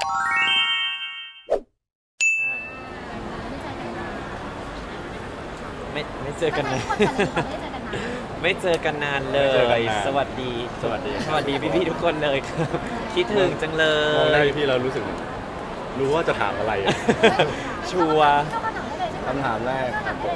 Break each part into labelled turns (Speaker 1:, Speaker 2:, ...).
Speaker 1: ไม่เจอกันนานไม่เจอกันนานเลย สวัสดีพี่ๆทุกคนเลยครับคิดถึงจังเล
Speaker 2: มองหน้าย
Speaker 1: ย
Speaker 2: พี่เรารู้สึกรู้ว่าจะถามอะไร
Speaker 1: ชัวร์
Speaker 2: คำถามแรกครับผม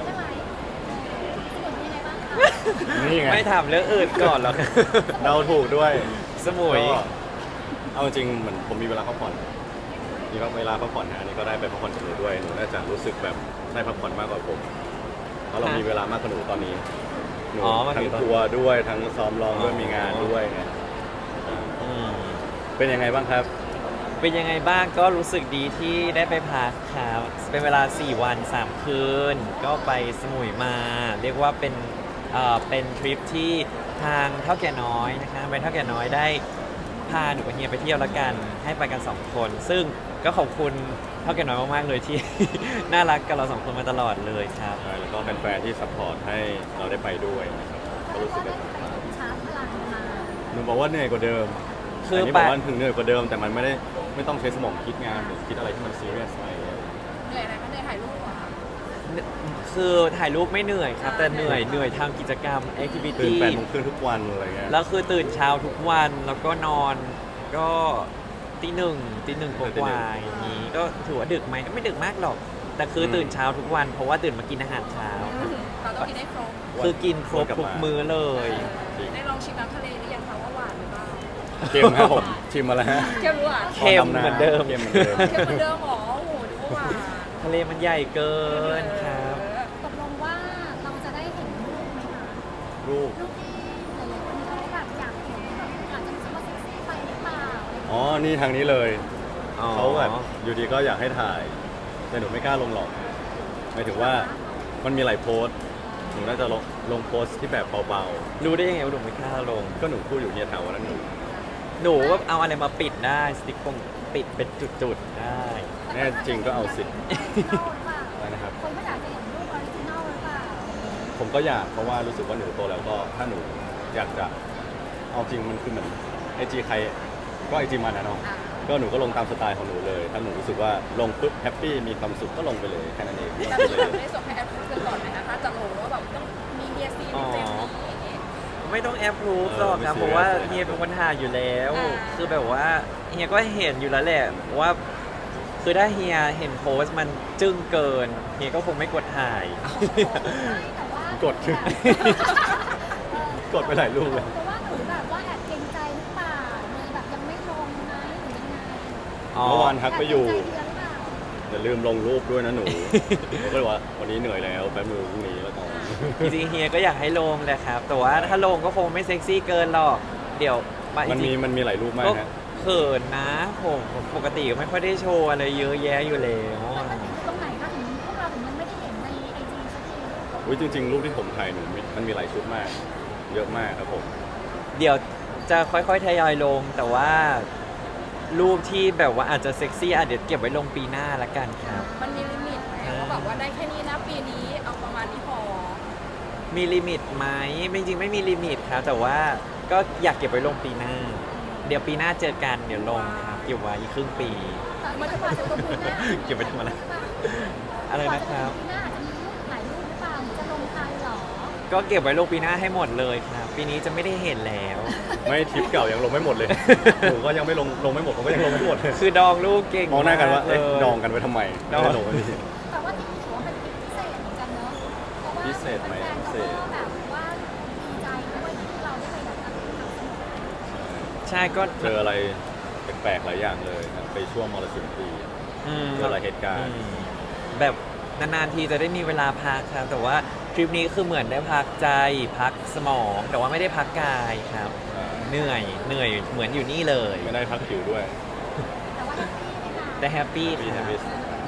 Speaker 3: นี่
Speaker 2: นี่ไง
Speaker 1: ไม่ถามเรื่องอื่นก่อนหรอก
Speaker 2: เราถูกด้วย
Speaker 1: สมุย
Speaker 2: ก็เอาจริงเหมือนผมมีเวลาพักผ่อนมีเวลาพักผ่อนนะอันนี้ก็ได้ไปพักผ่อนกับหนูด้วยหนูน่าจะรู้สึกแบบได้พักผ่อนมากกว่าผมเพราะเรามีเวลามากกว่าหนูตอนนี้หนู
Speaker 1: มา
Speaker 2: ทั้
Speaker 1: ถึ
Speaker 2: ง
Speaker 1: ตอน
Speaker 2: ทัวร์ด้วยทั้งซ้อมร้องด้วยมีงานด้วยไง
Speaker 1: อืม
Speaker 2: เป็นยังไงบ้างครับ
Speaker 1: เป็นยังไงบ้างก็รู้สึกดีที่ได้ไปพักครับเป็นเวลา 4 วัน 3 คืน ก็ไปสมุยมา เรียกว่าเป็นทริปที่ทางเท่าแก่น้อยนะคะไปเท่าแก่น้อยได้พาหนูกับเฮียไปเที่ยวละกันให้ไปกัน 2 คน ซึ่งก็ขอบคุณเท่าแก่น้อยมากๆเลยที่ น่ารักกับเรา 2 คนมาตลอดเลยครับ
Speaker 2: แล้วก็แฟนๆที่ซัพพอร์ตให้เราได้ไปด้วยนะครับก็รู้สึกได้ผ่อนคลาย
Speaker 3: ชาร์จพลังมา
Speaker 2: หนูบอกว่าเหนื่อยกว่าเดิม
Speaker 1: คือ
Speaker 2: อันนี้
Speaker 1: ไป
Speaker 2: บอกว่าถึงเหนื่อยกว่าเดิมแต่มันไม่ต้องใช้สมองคิดงานหรือคิดอะไรที่มันซีเรียสอะไรอย่างเงี้ย
Speaker 3: เหนื่อยอะไรก็เหนื่อยถ่ายรูปเหรอคะ
Speaker 1: คือถ่ายรูปไม่เหนื่อยครับ แต่เหนื่อยทำกิจกรรมแอคทิวิ
Speaker 2: ตื่น
Speaker 1: ตี้
Speaker 2: 8 โมงครึ่งทุกวันอะไรเงี้ย
Speaker 1: แล้วคือตื่นเช้าทุกวันแล้วก็นอนก็ตีหนึ่งกว่าๆอย่างนี้ก็ถือว่าดึกไหมก็ไม่ดึกมากหรอก แต่คือตื่นเช้าทุกวันเพราะว่าตื่นมากินอาหารเช้า
Speaker 3: เราต้องกินได้ครบ
Speaker 1: คือกินครบทุกมื้อเลย
Speaker 3: ได้ลองชิมน้ำทะเลหรือยังคะว่าหวานหรือเปล่า
Speaker 2: เกมครับผมชิมมาแล้วฮะ
Speaker 3: เค็มหรือหวาน
Speaker 1: เค็มเหมือนเดิม
Speaker 2: เค็มเหมือนเดิม
Speaker 3: เค็มเหมือนเดิมเหรอโอ้โหดูว่าหวาน
Speaker 1: ทะเลมันใหญ่เกินครับ
Speaker 4: ตกลงว่าเราจะได้เห็นรูปไหมคะ
Speaker 2: รูป
Speaker 4: รูปที่หลายๆคนเขาแบบอยากเห็นแบบอาจจะรู้สึกว่าเซ็กซี่ไปหรือเปล่าอะไรอย่างเงี้ย
Speaker 2: อ๋อนี่ทางนี้เลย
Speaker 1: อ๋อ
Speaker 2: เขาแบบอยู่ดีก็อยากให้ถ่าย แต่หนูไม่กล้าลงหรอกหมายถึงว่ามันมีหลายโพสต์หนูน่าจะลงโพสต์ที่แบบเบา
Speaker 1: รู้ได้ยังไงว่าหนูไม่กล้าลง
Speaker 2: ๆก็หนูพูดอยู่เนี่ยแถวนั้นหนู
Speaker 1: หนูก็เอาอะไรมาปิดได้สติ๊กเกอร์ปิดเป็นจุดๆได้
Speaker 2: แน่จริงก็เอาสิ
Speaker 4: ออริจินอลหรือเปล่า
Speaker 2: อะไรนะครับ
Speaker 4: คนก็อยากจะเห็นรูปออริจินอลหรือเปล่า
Speaker 2: ผมก็อยากเพราะว่ารู้สึกว่าหนูโตแล้วก็ถ้าหนูอยากจะเอาจริงมันคือเหมือนไอจีใครก็ไอจีมันนะเนาะก็หนูก็ลงตามสไตล์ของหนูเลย ถ้าหนูรู้สึกว่าลงปุ๊บแฮปปี้มีความสุขก็ลงไปเลยแค่นั้นเอง
Speaker 3: แต่
Speaker 2: ไม่
Speaker 3: คือ
Speaker 2: ต้อง
Speaker 3: แบบ
Speaker 2: เลย
Speaker 3: ได้ส่งให้แอปเพื่อนก่อนไหมนะคะจะรู้ว่าแบบต้องมีเฮียซีในเฟรมนี้อย่างเงี้ย
Speaker 1: ไม่ต้องแอปรูฟหรอกครับเพราะว่าเฮียเป็นคนถ่ายอยู่แล้ว คือแบบว่าเฮียก็เห็นอยู่แล้วแหละว่าคือถ้าเฮียเห็นโพสต์มันจึ้งเกินเฮียก็คงไม่กดถ่าย
Speaker 4: แต่ว่าก
Speaker 2: ดขึ้น กดไปหลายรูปเลย
Speaker 4: แต่ว่าหนูแบบว่าแอบเกรงใจหรือเปล่าเลยแบบยังไม่ลงไหมหรือยังไง
Speaker 1: อ๋อ
Speaker 2: เมื่อวานทักไปอยู่
Speaker 4: แบเกรงใจเฮียหรือเปล่า
Speaker 2: อย่าลืมลงรูปด้วยนะหนู ผมก็เลยว่าวันนี้เหนื่อยแล้วแป๊บนึงพรุ่งนี้แล้วกัน
Speaker 1: จริงๆเฮียก็อยากให้ลงแหละครับ แต่ว่าถ้าลงก็คงไม่เซ็กซี่เกินหรอก เดี๋ยว
Speaker 2: มันมีหลายรูปมาก
Speaker 1: ก็
Speaker 2: ฮะ
Speaker 1: เขินนะผมปกติก็ไม่ค่อยได้โชว์อะไรเยอะแยะอยู่แล้ว
Speaker 4: มันติดตรงไหนคะถึงพวกเราถึงยังไม่ได้เห็นในไอจีสักที
Speaker 2: อุ้ยจริงๆ รูปที่ผมถ่ายหนูมันมีหลายชุดมาก เยอะมากครับผม
Speaker 1: เดี๋ยวจะค่อยๆทยอยลง แต่ว่ารูปที่แบบว่าอาจจะเซ็กซี่อาจเดี๋ยวเก็บไว้ลงปีหน้าละกันครับ
Speaker 3: มันมีลิมิตไหมว่าแบบว่าได้แค่นี้นะปีนี้เอาประมาณนี้พอ
Speaker 1: มีลิมิตไหมจริงๆไม่มีลิมิตครับ แต่ว่าก็อยากเก็บไว้ลงปีหน้า เดี๋ยวปีหน้าเจอกันเดี๋ยวลงครับเก็บไว้อีกครึ่งปี
Speaker 3: มันจะพาตัวตรงนี้นะ
Speaker 1: เก็บไว้ทำอะไร อะไรนะครับ
Speaker 4: ปีหน้าอาจจะมีรูปหลายรูปหรือเปล่าจะลงทันเหรอ
Speaker 1: ก็เก็บไว้ลงปีหน้าให้หมดเลยครับ ปีนี้จะไม่ได้เห็นแล้ว
Speaker 2: ไม่ทริปเก่ายังลงไม่หมดเลย หนูก็ยังไม่ลงไม่หมดผมก็ยังลงไม่หมดเลย
Speaker 1: คือดองลูกเก่ง
Speaker 2: มองหน้ากันว่า
Speaker 1: เล
Speaker 2: เอ๊ะ
Speaker 1: ย
Speaker 2: ดองกันไว้ทำไม
Speaker 1: ดอง
Speaker 2: ไม่ได้ลงไว้ดิ
Speaker 4: แต่ว่าที่ถือว่าเป็นทริปพิเศษเหมือนกันเนอะเพราะว่า
Speaker 2: พิเศษไหม
Speaker 4: แฟนๆ
Speaker 2: พิเศ
Speaker 4: เขา
Speaker 2: ษ
Speaker 4: ก็แบบว่าดีใจด้วยที่เราได้ไปแบบทำสนุก
Speaker 1: ใช่ก็
Speaker 2: เจออะไรแปลกๆหลายอย่างเลยครับไปช่วงมรสุมปี
Speaker 1: ม
Speaker 2: เจอหลายเหตุการณ์
Speaker 1: แบบนานๆทีจะได้มีเวลาพักครับ แต่ว่าทริปนี้คือเหมือนได้พักใจพักสมอง แต่ว่าไม่ได้พักกายครับ เหนื่อยเหมือนอยู่นี่เลย
Speaker 2: ไม่ได้พักผิวด้วย
Speaker 4: แต่ว่าแฮปปี้ไหมคะ
Speaker 1: แต่แฮปปี้
Speaker 2: มี
Speaker 1: ครับ
Speaker 2: มี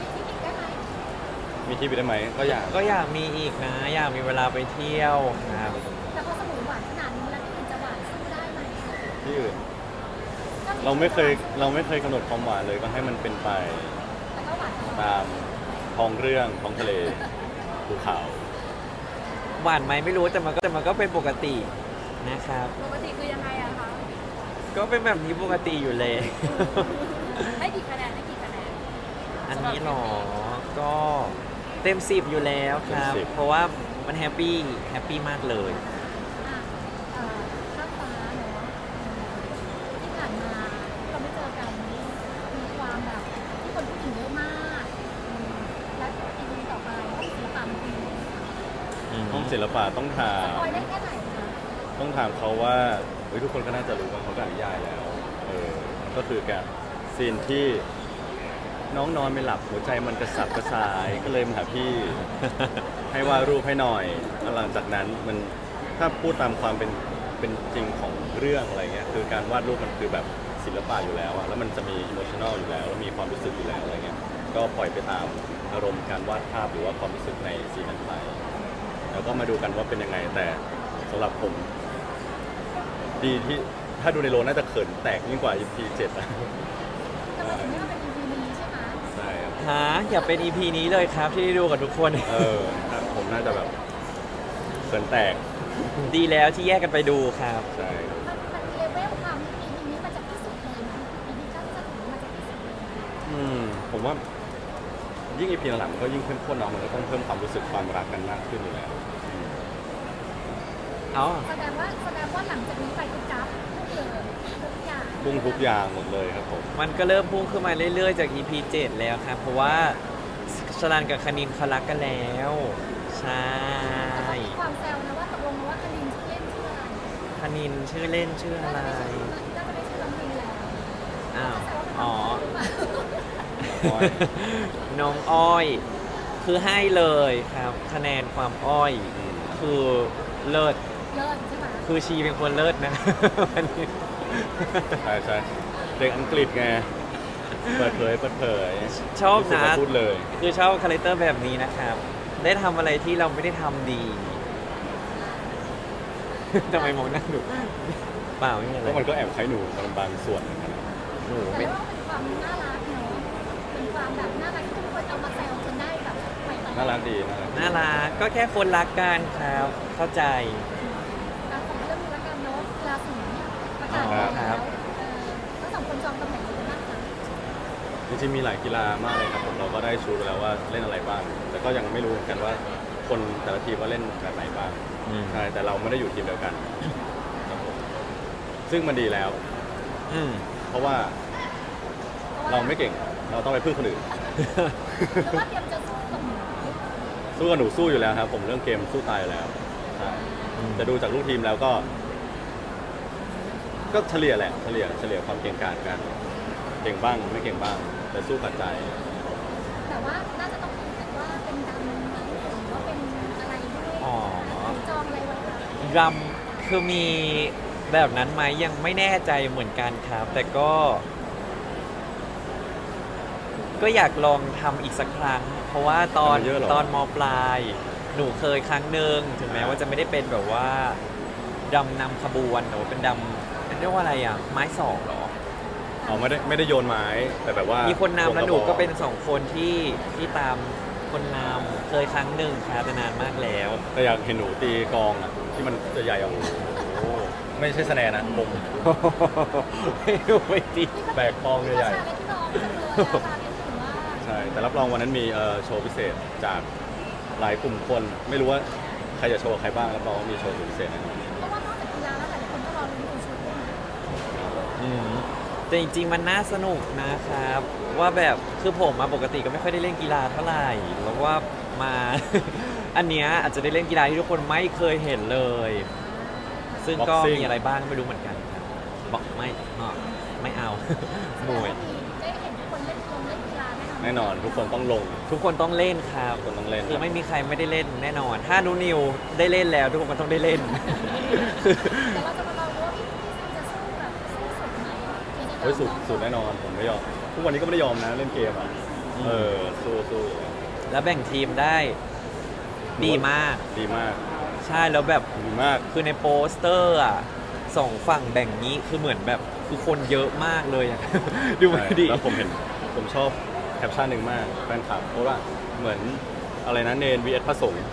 Speaker 4: มีทริปอีกได้ไหม
Speaker 2: มีที่ไปได้ไหมก็อยาก
Speaker 1: ก็อยากมีอีกนะ อยากมีเวลาไปเที่ยวครับ
Speaker 4: แต่พอสมุยหวานขนาดนี้แล้วที่อื่นจะหวานสู้ได้ไหม
Speaker 2: ที่อื่นเราไม่เคยกำหนดความหวานเลยก็ให้มันเป็นไป
Speaker 4: แต่ก็หวานตลอด
Speaker 2: ตามท้องเรื่องท้องทะเลภูเขา
Speaker 1: หวานไหมไม่รู้แต่มันก็เป็นปกตินะครับ
Speaker 3: ปกติคือยังไงอะคะ
Speaker 1: ก็เป็นแบบนี้ปกติอยู่เลย
Speaker 3: ให้กี่คะแนนให้
Speaker 1: นี้หรอ ก็เต็ม10อยู่แล้วครับ
Speaker 2: เต็ม10
Speaker 1: เพราะว่ามันแฮปปี้มากเลย
Speaker 4: อ่ะข้ามฟ้าเนาะที่ผ่านมาเราไม่เจอกันนี่มีความแบบที่คนพูดถึงเยอะมากและอีพีต่อไปก็มีศิลปะมันดี
Speaker 2: ห้องศิลปะต้องถา
Speaker 4: ส
Speaker 2: ม
Speaker 4: ปอยได้แค่ไหนคะ
Speaker 2: ต้องถามเขาว่าเฮ้ยทุกคนก็น่าจะรู้ว่าเขาก็นิยายแล้วก็คือการซีนที่น้องนอนไม่หลับหัวใจมันกระสับกระส่ายก็เลยมาหาพี่ ให้วาดรูปให้หน่อยแล้วหลังจากนั้นมันถ้าพูดตามความเป็นจริงของเรื่องอะไรเงี้ยคือการวาดรูปมันคือแบบศิลปะอยู่แล้วอะแล้วมันจะมีอิโมชัน a ลอยู่แล้วแล้วมีความรู้สึกอยู่แล้วอะไรเงี้ยก็ปล่อยไปตามอารมณ์การวาดภาพหรือว่าความรู้สึกในซีนนั้นไปแล้วก็มาดูกันว่าเป็นยังไงแต่สำหรับผม ดีที่ถ้าดูในโรงน่าจะเขินแตกยิ่งกว่า EP 7นะ
Speaker 4: ทำไมถึงไม่ต้องเป็น EP นี้ใช่ไหม
Speaker 2: ใช่ครับ
Speaker 1: หาอย่าเป็น EP นี้เลยครับที่ได้ดูกับทุกคน
Speaker 2: ถ้าผมน่าจะแบบเขินแตก
Speaker 1: ดีแล้วที่แยกกันไปดูครับ
Speaker 2: ใช่ครับ
Speaker 4: มันเลเวลความ EP นี้มันจะพิสูจน์เลยนะ EP 9จะถึงมันจะพิสูจน์เลยนะ
Speaker 2: ผมว่ายิ่ง EP หลังๆมันก็ยิ่งเข้มข้นเนาะมันก็ต้องเพิ่มความรู้สึกความรักกันมากขึ้นอยู่แล้ว
Speaker 1: อ๋อ
Speaker 4: แสดงว่าหลังจากนี้ไปคือกราฟพุ่งเลยทุกอย่าง
Speaker 2: พุ่งทุกอย่างหมดเลยครับผม
Speaker 1: มันก็เริ่มพุ่งขึ้นมาเรื่อยๆจาก EP 7 แล้วครับ เพราะว่าชลันกับคณินเขารักกันแล้ว ใช่
Speaker 4: แต่ก็มีความแซวนะว่าตกลงว่าคณินชื่อเล่นชื่ออะไร
Speaker 1: คณินชื่อเล่นชื่ออะไร
Speaker 4: น่าจะไม่ชื่อน้องมินแล้ว
Speaker 1: อ้าว
Speaker 4: แซวว่าเป็น
Speaker 1: อ๋อ
Speaker 4: น้องมินหรือเปล่า
Speaker 1: น้องอ้อย คือให้เลยครับ คะแนนความอ้อย คือเลิศ
Speaker 4: เลิศใช่ไหม
Speaker 1: คือชีเป็นคนเลิศนะ วันนี้
Speaker 2: ใช่ใช่เด็กอังกฤษไงเปิดเผย
Speaker 1: ชอบ
Speaker 2: รู้สึก
Speaker 1: นะ
Speaker 2: ว่าพูดเลย
Speaker 1: คือชอบคาแรคเตอร์แบบนี้นะครับ ได้ทำอะไรที่เราไม่ได้ทำดี ทำไมมองหน้าหนูเปล่าไม่มีอะไร
Speaker 2: แล้วมันก็แอบคล้ายหนูบางส่วนเหมือนกัน
Speaker 1: หนู
Speaker 4: แต่
Speaker 1: ไม่
Speaker 4: ว่าเป็นความน่ารักเนาะเป็นความแบบน่ารักที่ทุกคนเอามาแซวจนได้แบบไปต่อ
Speaker 2: น่ารักดีน่ารักดี
Speaker 1: น่ารักก็แค่คนรักกันครับ เข้าใจ
Speaker 4: การของเรื่องนี้ละกันเนาะกีฬาสีประกาศ
Speaker 1: อ๋อ
Speaker 4: แล้
Speaker 1: ครั
Speaker 4: ว
Speaker 1: บ
Speaker 4: ทั้งสองคนจองตำแหน่งเลยนะคะ
Speaker 2: จริงๆมีหลายกีฬามากเลยครับผมเราก็ได้ชูไปแล้วว่าเล่นอะไรบ้าง แต่ก็ยังไม่รู้เหมือนกันว่าคนแต่ละทีมว่าเล่นแบบไหนบ้าง
Speaker 1: อืม
Speaker 2: ใช่แต่เราไม่ได้อยู่ทีมเดียวกันครับผมซึ่งมันดีแล้ว
Speaker 1: อืม
Speaker 2: เพราะว่าเราไม่เก่งเราต้องไปพึ่งคนอื่น
Speaker 4: เพราะว่าเตรียมจะสู้กับหนู
Speaker 2: สู้กับหนูสู้อยู่แล้วครับผมเรื่องเกมสู้ตายอยู่แล้วใช่จะดูจากลูกทีมแล้วก็เฉลี่ยแหละเฉลี่ยความเก่งกาจกันเก่งบ้างไม่เก่งบ้าง แต่สู้กับใจ
Speaker 4: แต่ว่าน่าจะต้องเป็นแบบว่าเป็นดำไหมหรือว่าเป็นอะไรด้วย
Speaker 1: อ๋อ
Speaker 4: จองอะไรไว้คะ
Speaker 1: รำคือมีแบบนั้นไหมยังไม่แน่ใจเหมือนกันครับ แต่ก็อยากลองทำอีกสักครั้ง เพราะว่าตอน
Speaker 2: ทำมาเยอะเหรอ
Speaker 1: ตอนมปลาย หนูเคยครั้งหนึ่งถึงแม้ว่าจะไม่ได้เป็นแบบว่าดำนำขบวนหนูเป็นดำเรียกว่าอะไรอ่ะ ไม้สองเหรอ
Speaker 2: เอาไม่ได้โยนไม้แต่แบบว่า
Speaker 1: มี
Speaker 2: มี
Speaker 1: คนนำแล้วหนูก็เป็นสองคนที่ตามคนนำเคยครั้งหนึ่งครับแต่นานมากแล้ว
Speaker 2: แต่อยากเห็นหนูตีกลองอ่ะที่มันใหญ่ๆอ่ะโอ้โหไม่ใช่สแนนนะผม
Speaker 1: ไม่รู้ไม่ดี
Speaker 2: แบกกลองใหญ่
Speaker 4: ชาเลนจ์น้องจังเลยอะชาเลนจ์ถือว่า
Speaker 2: ๆใช่แต่รับรองวันนั้นมีโชว์พิเศษจากหลายกลุ่มคน ไม่รู้ว่าใครจะโชว์กับใครบ้างรับรองว่ามีโชว์สุดพิเศษแน่นอน
Speaker 4: เพราะว่านอกจากกีฬาแล้วหลายคนก็รอลุ้นดูชุดด้วยนะ
Speaker 1: อืมแต่จริงๆมันน่าสนุกนะครับ ว่าแบบคือผมมาปกติก็ไม่ค่อยได้เล่นกีฬาเท่าไหร่แล้วว่ามา อันเนี้ยอาจจะได้เล่นกีฬาที่ทุกคนไม่เคยเห็นเลย ซึ่งก็
Speaker 2: Boxing
Speaker 1: มีอะไรบ้างไม่รู้เหมือนกันครับบอกไม่เอา มวย
Speaker 4: ได้เห็นทุกคนเล่นกีฬาแน่นอน
Speaker 2: แน่นอนทุกคนต้องลง
Speaker 1: ทุกคนต้องเล่นครับ
Speaker 2: ทุกคนต้องเล่น
Speaker 1: คือไม่มีใครไม่ได้เล่นแน่นอน ถ้านูนิวได้เล่นแล้ว ทุกคนก็ต้องได้เล่น
Speaker 4: แต่เราจะมาลองดูว่าพี่ซีจะสู้แบบสู้สุดไหมหรือจะ
Speaker 2: เฮ้ยสุด
Speaker 4: น้อง
Speaker 2: สุดแน่นอนผมไม่ยอมทุกวันนี้ก็ไม่ได้ยอมนะเล่นเกมอ่ะสู้อยู่แล้ว
Speaker 1: แล้วแบ่งทีมได้ดีมาก
Speaker 2: ดีมาก
Speaker 1: ใช่แล้วแบบ
Speaker 2: ดีมาก
Speaker 1: คือในโปสเตอร์อ่ะสองฝั่งแบ่งนี้คือเหมือนแบบคือคนเยอะมากเลยอะ ดูไม่ดี
Speaker 2: แล้วผมชอบแคปชั่นหนึ่งมากแฟนคลับเพราะว่าเหมือนอะไรนะเนน vs พระสงฆ์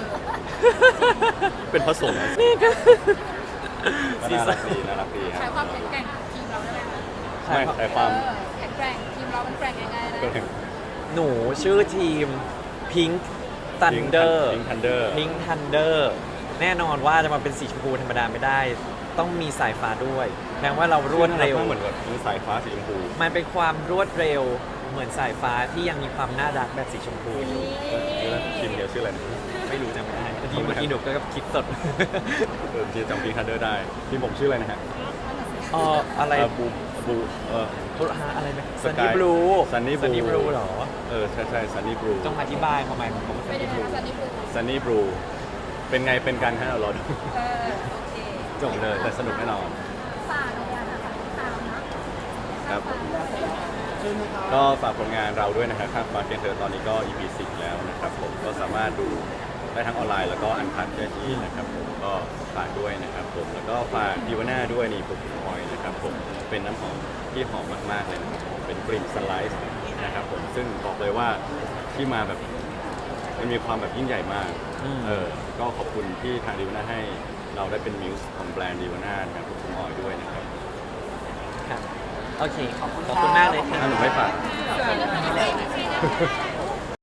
Speaker 2: เป็นพระสงฆ์นะก็น่ารักดีน่ารักดีค
Speaker 3: ใช้
Speaker 2: รับ
Speaker 3: ความแข็งแกร่งของทีมเราได้ไหมคะ
Speaker 2: ไม่แต่ความ
Speaker 3: แข็งแกร่งทีมเรามันแกร่งยังไงนะ
Speaker 2: ก็ถึง
Speaker 1: หนูชื่อทีม Pink Thunder
Speaker 2: Pink Thunder
Speaker 1: Pink Thunder แน่นอนว่าจะมาเป็นสีชมพูธรรมดาไม่ได้ ต้องมีสายฟ้าด้วยแปลว่าเรารวดเร็ว
Speaker 2: เหมือนกับมีสายฟ้าสีชมพู
Speaker 1: มันเป็นความรวดเร็วเหมือนสายฟ้าที่ยังมีความน่ารักแบบสีชมพูอยู่
Speaker 2: แล้วทีมเดียวชื่ออะไรนะ
Speaker 1: ไม่รู้จำไม่ได้เมื่อกี้หนูก็คิดสด
Speaker 2: ทีมจำพิงคันเดอร์ได้ทีมผมชื่ออะไรนะฮะ
Speaker 1: อะไร
Speaker 2: บู
Speaker 1: อะไรไหม
Speaker 2: ส
Speaker 1: ซัน
Speaker 2: กา
Speaker 1: นี่
Speaker 2: ย
Speaker 1: บลู
Speaker 2: Sunny Blue
Speaker 1: ซันนี่บลูเหรอ
Speaker 2: ใช่ซันนี่บลู
Speaker 1: ต้องอธิบายความหมายของคำว่าซั
Speaker 3: เป็น น
Speaker 1: นี่
Speaker 3: ยัง
Speaker 1: บ
Speaker 3: ไง
Speaker 1: ลู
Speaker 3: คะซันนี่บลู
Speaker 2: ซันนี่บลูเป็นไงเป็นกันฮะเรารอดู
Speaker 3: โอเค
Speaker 2: จบเลยแต่สนุกแน่นอน
Speaker 4: ฝากเลยอะค่ะตามนะครับ
Speaker 2: ก็ฝากผลงานเราด้วยนะครับข้ามฟ้าเกนเธอตอนนี้ก็ EP 10แล้วนะครับผมก็สามารถดูได้ทั้งออนไลน์แล้วก็อันคัดได้ที่นะครับผมก็ฝากด้วยนะครับผมแล้วก็ฝากดิวน่าด้วยนี่ผมพอยนะครับผมเป็นน้ำหอมที่หอมมากๆเลยนะครับผมเป็นกลิ่นสไลซ์นะครับผมซึ่งบอกเลยว่าที่มาแบบมันมีความแบบยิ่งใหญ่มาก ก็ขอบคุณที่ทางดิวน่าให้เราได้เป็นมิวส์ของแบรนด์ดิวน่านะครับผมออยด้วยนะครับ
Speaker 1: ครับโอเคขอบคุณมากเลยค่ะ
Speaker 2: ถ้าหนูไม่ฝาก
Speaker 3: เกิด